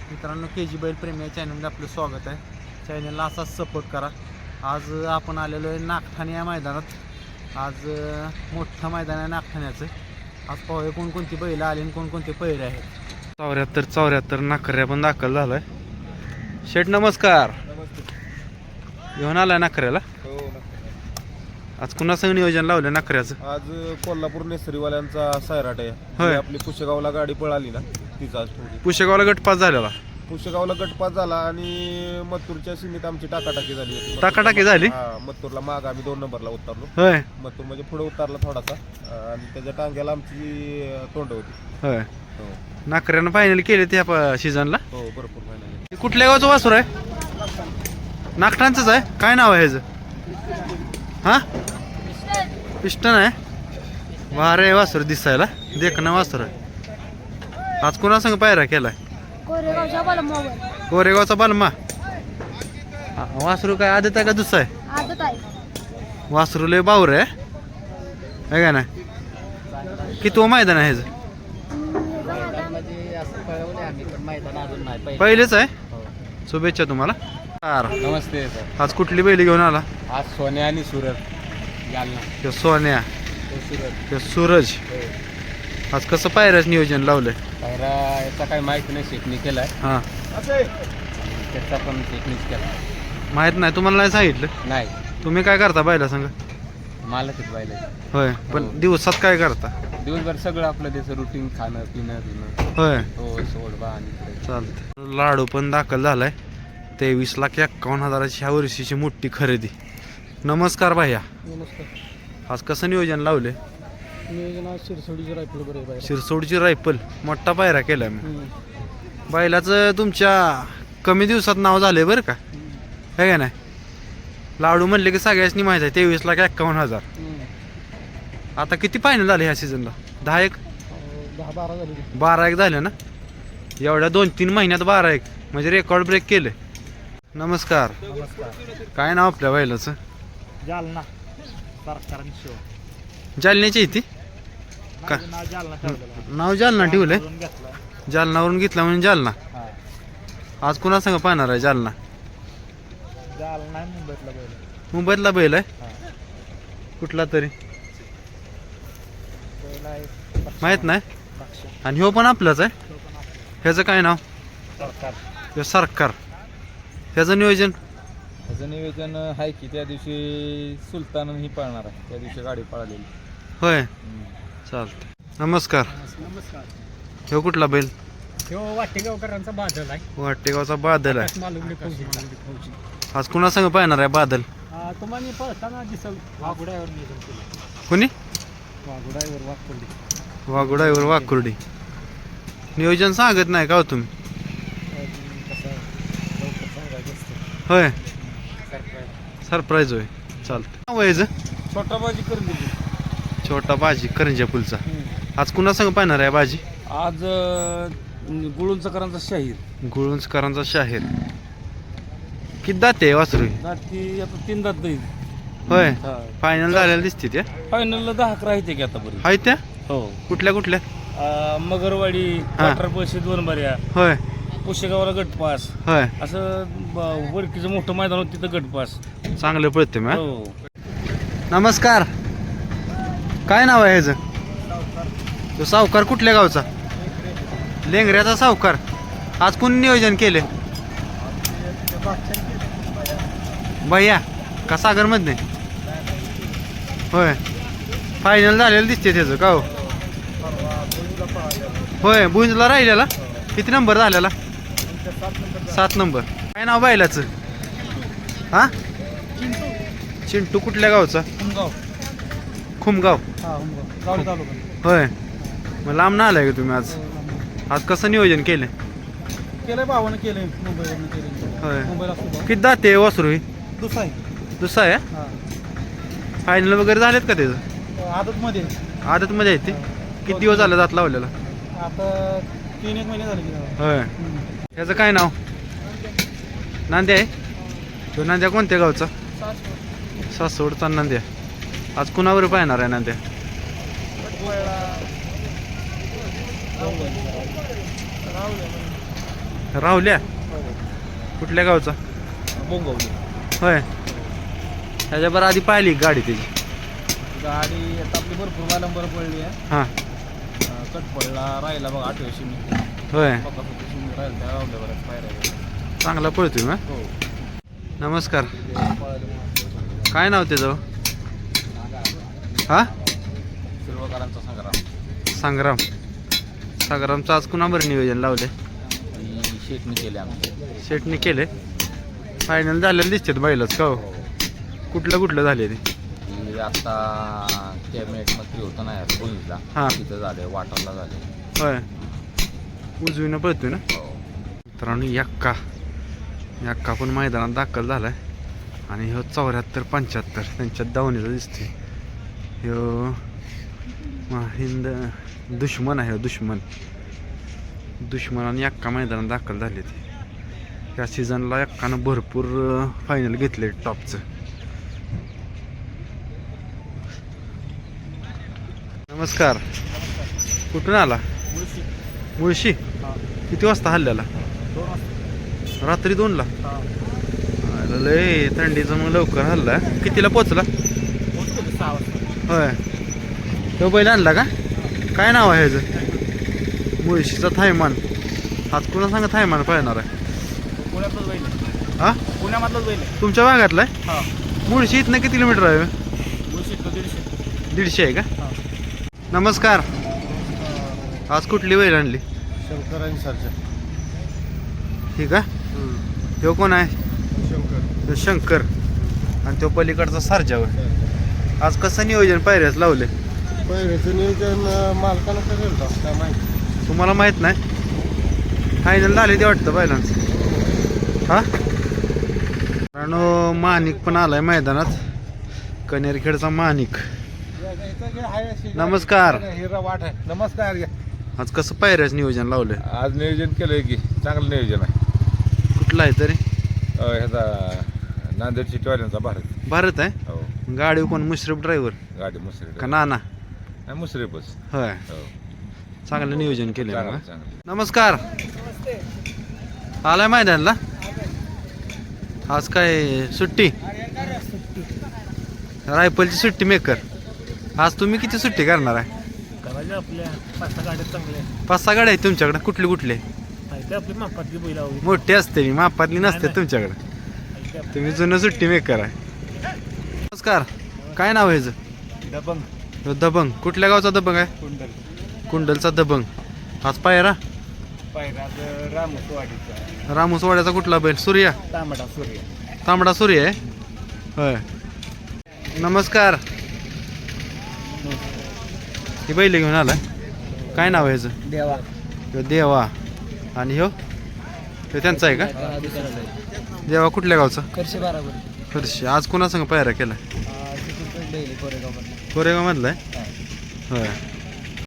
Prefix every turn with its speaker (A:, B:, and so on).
A: मित्रांनो, KG बैल प्रेमी या चॅनलमध्ये आपलं स्वागत आहे. चॅनलला असाच सपोर्ट करा. आज आपण आलेलो आहे नागठाणे या मैदानात. आज मोठं मैदान आहे नागठाण्याचं. आज पाहूया कोणकोणती बैल आली आणि कोणकोणते पैरे आहेत. 74 नाकऱ्या पण दाखल झालाय. शेठ नमस्कार. घेऊन आलाय नाकऱ्याला. आज कुणासंग नियोजन लावलं नाकऱ्याचं?
B: आज कोल्हापूर नेसरीवाल्यांचा सैराट आहे.
A: होय.
B: आपली पुशेगावला गाडी पळाली ना तिचा आज थोडी.
A: पुशेगावला गटपास झालेला.
B: पुशेगावला गटपास झाला आणि मत्तूरच्या सीमेत आमची टाकाटाकी झाली होती.
A: टाकाटाकी झाली?
B: हा, मत्तूरला माग आम्ही 2 नंबरला उतरलो.
A: होय
B: मत्तूर म्हणजे पुढे उतरला थोडासा आणि त्याच्या टांग्याला आमची तोंड होती.
A: होय.
B: हो
A: नाकऱ्यानं फायनल केले त्या सीझनला.
B: हो भरपूर महिन्याने.
A: कुठल्या गावचं वासूर आहे? नागठाणचंच आहे. काय नाव आहे ह्याचं? हा, पिस्टन आहे. वारे वासूर दिसायला देखणं वासूर आहे. आज कुणासंग पायरा केलाय? कोरेगावचा बालमा. वासरू काय आदत आहे का दुसरा आहे?
C: आदत आहे.
A: वासरू लय बावर आहे का नाही? किती मैदान आहे ह्याचं? पहिलेच आहे. शुभेच्छा तुम्हाला.
B: नमस्ते सर.
A: आज कुठली बैल घेऊन आला?
B: आज सोन्या आणि सूरज
A: तो सोन्या, तो सूरज. आज कसं पायऱ्याच नियोजन लावलंय?
B: पायरा याचा काही माहिती नाही. शेकणी केलाय.
A: हा,
B: त्याचा पण शेकणीच केला.
A: माहित नाही तुम्हाला? नाही सांगितलं?
B: नाही,
A: तुम्ही काय करता बैला सांगा?
B: मला तिथे पाहिलं.
A: होय, पण दिवसात काय करता?
B: दिवसभर सगळं आपलं त्याचं रुटीन, खाणं पिणं.
A: होय,
B: हो सोडवा आणि
A: चालतंय. लाडू पण दाखल झालाय. 23,51,000ची ह्या वर्षीची मोठी खरेदी. नमस्कार भैया.
C: नमस्कार.
A: आज कसं नियोजन लावले?
C: नियोजन आज शिरसोडीची रायफल बरं आहे.
A: शिरसोडची रायफल मोठा पायरा केलाय मी. बैलाचं तुमच्या कमी दिवसात नाव झालंय बरं का, है का नाही? लाडू म्हणले की सगळ्याच माहिती आहे. 23,51,000. आता किती फायनल झाले ह्या सीझनला? 10-1
C: 10-12 झाली.
A: 12-1 झाले ना. एवढ्या 2-3 महिन्यात 12-1 म्हणजे रेकॉर्ड ब्रेक केले. नमस्कार. काय नाव आपल्या बैलाचं?
C: जालना सरकारांनी शिव.
A: जालन्याची आहे ती का? नाव जालना ठेवलंय. जालनावरून घेतला म्हणजे जालना. आज कुणा संग पाहणार आहे जालना?
C: जालना मुंबईतला बैल.
A: मुंबईतला बैल आहे. कुठला तरी माहित नाही. आणि ह्यो पण आपलाच आहे. ह्याचं काय नाव?
C: सरकार.
A: ह्यो सरकार. ह्याचं नियोजन?
B: त्याचं नियोजन आहे की त्या दिवशी सुलतान ही पळणार आहे. त्या दिवशी गाडी पळालेली.
A: होय, चालतं. नमस्कार.
C: नमस्कार.
A: ह्यो कुठला बैल?
C: ह्यो वाटेगावकरांचा बादल आहे.
A: वाटेगावचा बादल आहे.
C: मालुंगडे फौजी.
A: आज कुणा संग पाहणार आहे बादल?
C: तुम्हाला पळताना दिसल. वाघुड्यावर नियोजन केलं.
A: कुणी?
C: वाघुड्यावर वाघकुर्डी.
A: वाघोडाईवर वाकुर्डी. नियोजन सांगत नाही का हो तुम्ही? होय, सरप्राईज होय. चालतं. नाव आहे ह्याचं?
C: छोटा बाजी करून दिली.
A: छोटा बाजी करंजा पुलचा. आज कुणा संग पाहणार आहे बाजी?
C: आज गुळुंचकरांचा शाहीर.
A: गुळुंचकरांचा शाहीर. किती दाते वासरू?
C: ती आता 3 दात जाईल.
A: होय, फायनल झालेला दिसते त्या.
C: फायनलला 10-11 आहे ते की आतापर्यंत.
A: आहेत त्या?
C: हो.
A: कुठल्या कुठल्या?
C: मगरवाडी, पाटरपळशी 2 बऱ्या,
A: होय
C: पुशेगावला गटपास.
A: होय.
C: असं वडकीचं मोठं मैदान होतं तिथं गटपास.
A: चांगलं पळते मग.
C: हो.
A: नमस्कार. काय नाव आहे ह्याचं? तो सावकार कुठल्या गावचा? लेंगऱ्याचा सावकार. आज कोण नियोजन केले? भैया का सागर मध्ये? होय, फायनल झालेलं दिसते त्याचं का हो? होय, बुंजला राहिलेला. किती नंबर झालेला? 7 नंबर. काय नाव बैलाचं? हा, चिंटू. कुठल्या गावचा? खुमगाव. होय, मग लांब ना आलाय का तुम्ही आज? आज कसं नियोजन केलं?
C: केलंय भावानं केलंय. मुंबईवरून केलंय.
A: होय,
C: मुंबईला
A: किती दाते वासरू?
C: दुसरा आहे.
A: दुसरा आहे. फायनल वगैरे झालेत का त्याचं?
C: आदत मध्ये.
A: आदत मध्ये आहे ते. किती दिवस झाले दात लावलेला?
C: आता 3-1 महिने झाले.
A: होय. ह्याचं काय नाव? नांद्या आहे. तो नांद्या कोणत्या गावचा? सासवडचा नांद्या. आज कुणावर पाहणार आहे नांद्या? राहुल्या कुठल्या गावचा
B: बोंगवली
A: होय त्याच्याबरोबर आधी पाहिली का गाडी त्याची
B: गाडी आता आपली भरपूर नंबर पडली आहे
A: हां
B: कटपडला राहिला बघा 8व्या शिमी
A: होय
B: शिमी राहिला त्या रावल्या बऱ्याच पायऱ्या
A: चांगला पळतोय मग
B: हो
A: नमस्कार काय नाव त्याचं हा
B: शिरवकरांचा
A: संग्राम
B: संग्राम
A: संग्रामचं आज कुणाबर नियोजन लावले
B: शेटणी केले आमचे
A: शेटने केले फायनल झालेलं दिसतात बैलच का हो कुठलं झाले ते
B: की आता कॅबिनेटमध्ये होतं ना यार बोलीला
A: हां.
B: तिथं झाले वाटरला झाले
A: होय उजवीनं पळतोय ना मित्रांनो यक्का पण मैदानात दाखल झालाय आणि ह्यो 74-75 त्यांच्यात दावणीचा दिसतोय ह्यो हिंद दुश्मन आहे दुश्मन आणि यक्का मैदानात दाखल झाले ते या सीझनला यक्कानं भरपूर फायनल घेतले टॉपचं नमस्कार कुठून आला मुळशी किती वाजता हल्ल्याला रात्री 2ला लय थंडीचं मग लवकर हल्ला कितीला पोचला होय तो बैल आणला का काय नाव आहे ह्याचं मुळशीचा थायमान आज कुणा सांगा थायमान पाहणार आहे
C: पुण्यातलंच बैल आहे.
A: हा
C: पुण्यामधलंच बैल आहे.
A: तुमच्या भागातला आहे
C: हा
A: मुळशी इथनं किती किलोमीटर आहे
C: मुळशीत 150.
A: 150 आहे का
C: हा.
A: नमस्कार आज कुठली बैल आणली
C: शंकरांनी सरच्या
A: ठीक आहे तो कोण आहे
C: शंकर
A: तो शंकर आणि तो पलीकडचा सारजावर आज कसं नियोजन पायऱ्याच लावले
C: पहिल्याचं नियोजन मालकानं करेल का काय माहिती
A: तुम्हाला माहित नाही फायनल झाले ते वाटतं बैलांचं हा कारण माणिक पण आलाय मैदानात कनेरखेडचा माणिक नमस्कार
C: हिरा वाट आहे नमस्कार
A: आज कसं पायऱ्याच नियोजन लावलंय
B: आज नियोजन केलंय की चांगलं नियोजन आहे
A: कुठलं आहे तरी
B: ह्याचा नांदेड सिटीवाल्यांचा
A: भारत आहे
B: हो
A: गाडी कोण मुश्रीफ ड्रायव्हर
B: गाडी मुसरी
A: का नाना
B: नाही मुसरीपच
A: होय
B: हो
A: चांगलं नियोजन केलं
B: चांगलं चांगलं
A: नमस्कार आलाय मैदानला आज काय सुट्टी रायफलची सुट्टी मेकर आज तुम्ही किती सुट्टी करणार आहे
C: करायचे आपल्या 5-6 गाड्या चांगल्या
A: 5-6 गाड्या आहेत तुमच्याकडे कुठले
C: आहेत आपली मापातली बैल हवी
A: मोठी असते मी मापातली नसते
C: नाही.
A: तुमच्याकडे तुम्ही जुनं सुट्टी मेकर आहे नमस्कार काय नाव आहे ह्याचं
C: दबंग
A: ह्यो दबंग कुठल्या गावचा दबंग आहे
C: कुंडल
A: कुंडलचा दबंग आज पायरा
C: पायराज रामसवाडीचा
A: रामोसवाड्याचा कुठला बैल सूर्या
C: तांबडा सूर्य
A: तांबडा सूर्य आहे होय नमस्कार ही बैल घेऊन आला काय नाव आहे ह्याचं
C: देवा
A: ह्यो देवा आणि ह्यो त्यांचा आहे का देवा कुठल्या गावचा
C: करशे बरोबर
A: फरशी आज कोणासंग पायरा केला कोरेगाव मधला आहे होय